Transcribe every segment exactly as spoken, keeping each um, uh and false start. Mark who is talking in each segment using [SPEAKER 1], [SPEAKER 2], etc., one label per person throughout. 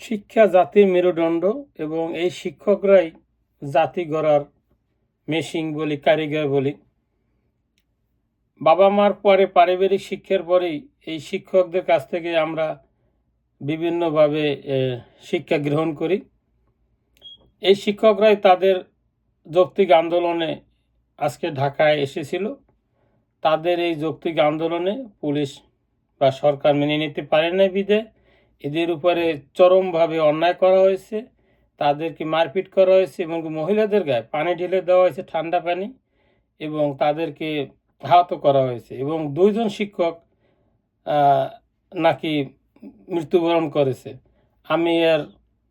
[SPEAKER 1] শিক্ষা জাতির মেরুদণ্ড এবং এই শিক্ষকরাই জাতি গড়ার মেশিন বলি, কারিগর বলি। বাবা মার পরে পারিবারিক শিক্ষার পরেই এই শিক্ষকদের কাছ থেকে আমরা বিভিন্নভাবে শিক্ষা গ্রহণ করি। এই শিক্ষকরাই তাদের যৌক্তিক আন্দোলনে আজকে ঢাকায় এসেছিল। তাদের এই যৌক্তিক আন্দোলনে পুলিশ বা সরকার মেনে নিতে পারে না বিধে এদের উপরে চরমভাবে অন্যায় করা হয়েছে, তাদেরকে মারপিট করা হয়েছে এবং মহিলাদের গায়ে পানি ঢেলে দেওয়া হয়েছে, ঠান্ডা পানি, এবং তাদেরকে আহত করা হয়েছে এবং দুইজন শিক্ষক নাকি মৃত্যুবরণ করেছে। আমি এর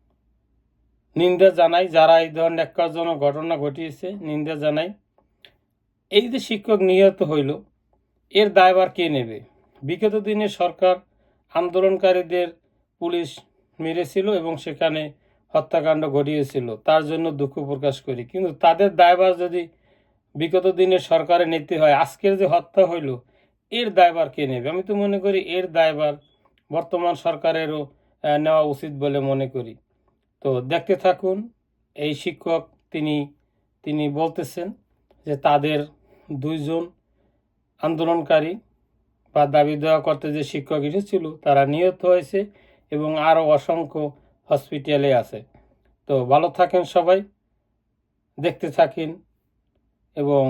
[SPEAKER 1] নিন্দা জানাই, যারা এই ধরনের ন্যাক্কারজনক ঘটনা ঘটিয়েছে নিন্দা জানাই। এই যে শিক্ষক নিহত হইল, এর দায়ভার কে নেবে? বিগত দিনে সরকার আন্দোলনকারীদের পুলিশ মেরেছিল এবং সেখানে হত্যাকাণ্ড ঘটিয়েছিল, তার জন্য দুঃখ প্রকাশ করি। কিন্তু তাদের দায়ভার যদি বিগত দিনে সরকারে নিতে হয়, আজকের যে হত্যা হইল এর দায়ভার কে নেবে? আমি তো মনে করি এর দায়ভার বর্তমান সরকারেরও নেওয়া উচিত বলে মনে করি। তো দেখতে থাকুন। এই শিক্ষক তিনি তিনি বলতেছেন যে তাদের দুইজন আন্দোলনকারী বা দাবি দেওয়া করতে যে শিক্ষক এসেছিল তারা নিহত হয়েছে এবং আরও অসংখ্য হসপিটালে আছে। তো ভালো থাকেন সবাই, দেখতে থাকেন এবং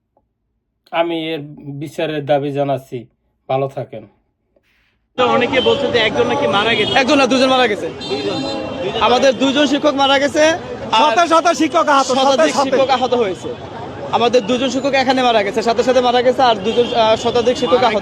[SPEAKER 1] আমি এর বিচারের দাবি জানাচ্ছি। ভালো থাকেন।
[SPEAKER 2] অনেকে বলছে যে একজন নাকি মারা গেছে।
[SPEAKER 3] একজন না, দুজন মারা গেছে। আমাদের দুজন শিক্ষক মারা গেছে,
[SPEAKER 2] শত শত শিক্ষক আহত,
[SPEAKER 3] শতাধিক শিক্ষক আহত হয়েছে। আমাদের দুজন শিক্ষক এখানে মারা গেছে, সাথে সাথে মারা গেছে, আর দুজন শতাধিক শিক্ষক আহত।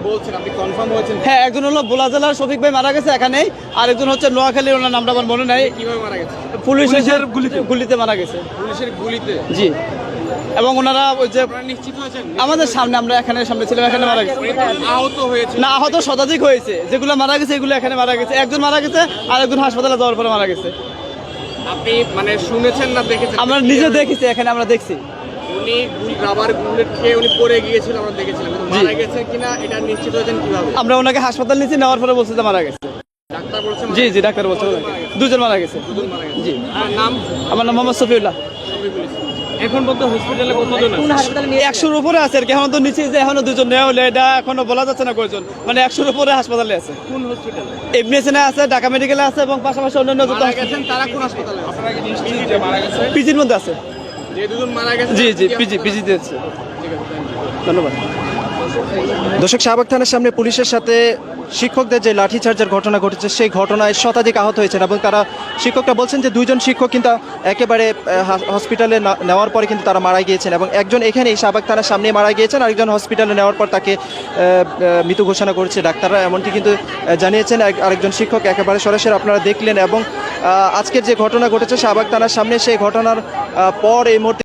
[SPEAKER 3] হ্যাঁ, একজন হলো ভোলা জেলার শফিক ভাই মারা গেছে এখানেই, আর একজন হচ্ছে নোয়াখালীর, ওনার নামটা আমার মনে নাই।
[SPEAKER 2] কিভাবে মারা গেছে?
[SPEAKER 3] পুলিশের গুলিতে গুলিতে মারা গেছে।
[SPEAKER 2] পুলিশের গুলিতে?
[SPEAKER 3] জি। এবং ওনারা ওই যে
[SPEAKER 2] নিশ্চিত হয়েছেন
[SPEAKER 3] আমাদের সামনে, আমরা এখানে সামনে ছিলাম, এখানে মারা গেছে।
[SPEAKER 2] আহত হয়েছে
[SPEAKER 3] না, আহত শতাধিক হয়েছে। যেগুলো মারা গেছে এগুলো এখানে মারা গেছে। একজন মারা গেছে আর একজন হাসপাতালে যাওয়ার পরে মারা গেছে।
[SPEAKER 2] আপনি মানে শুনেছেন না দেখেছেন?
[SPEAKER 3] আমরা নিজে দেখেছি, এখানে আমরা দেখছি।
[SPEAKER 2] উনি রাবার বুলেট খেয়ে উনি পড়ে গিয়েছিল, আমরা দেখেছিলাম। মারা গেছে কিনা এটা নিশ্চিত হয়েছেন কিভাবে?
[SPEAKER 3] আমরা ওনাকে হাসপাতাল নিয়েছি, নেওয়ার পরে বলছে যে মারা গেছে।
[SPEAKER 2] ডাক্তার বলছে?
[SPEAKER 3] জি জি, ডাক্তার বলছে দুজন মারা গেছে। জি।
[SPEAKER 2] আর নাম?
[SPEAKER 3] আমার নাম মোহাম্মদ সফিউল্লাহ।
[SPEAKER 2] এখন বলতে হসপিটালে কতজন আছে?
[SPEAKER 3] একশোর উপরে আছে আর কি। এখন তো নিচে যে এখনো দুজন নেওয়া হলে এটা এখনো বলা যাচ্ছে না কয়জন, মানে একশোর উপরে হাসপাতালে আছে।
[SPEAKER 2] কোন হসপিটালে?
[SPEAKER 3] এমনিএসএনে আছে, ঢাকা মেডিকেলে আছে এবং পাশাপাশি অন্যান্য যত
[SPEAKER 2] মারা গেছেন তারা কোন হাসপাতালে? আপনারা কি নিশ্চিত যে মারা গেছে?
[SPEAKER 3] পিজির মধ্যে আছে।
[SPEAKER 2] যে দুজন মারা গেছে?
[SPEAKER 3] জি জি, পিজি পিজিতে আছে।
[SPEAKER 2] ঠিক আছে,
[SPEAKER 3] ধন্যবাদ।
[SPEAKER 4] দর্শক, শাহবাগ থানার সামনে পুলিশের সাথে শিক্ষকদের যে লাঠিচার্জের ঘটনা ঘটেছে সেই ঘটনায় শতাধিক আহত হয়েছেন এবং তারা শিক্ষকরা বলছেন যে দুইজন শিক্ষক কিন্তু একেবারে হসপিটালে নেওয়ার পরে কিন্তু তারা মারা গিয়েছেন এবং একজন এখানেই শাহবাগ থানার সামনে মারা গিয়েছেন, আরেকজন হসপিটালে নেওয়ার পর তাকে মৃত ঘোষণা করেছে ডাক্তাররা, এমনটি কিন্তু জানিয়েছেন আরেকজন শিক্ষক একেবারে সরাসরি আপনারা দেখলেন। এবং আজকের যে ঘটনা ঘটেছে শাহবাগ থানার সামনে, সেই ঘটনার পর এই মুহূর্তে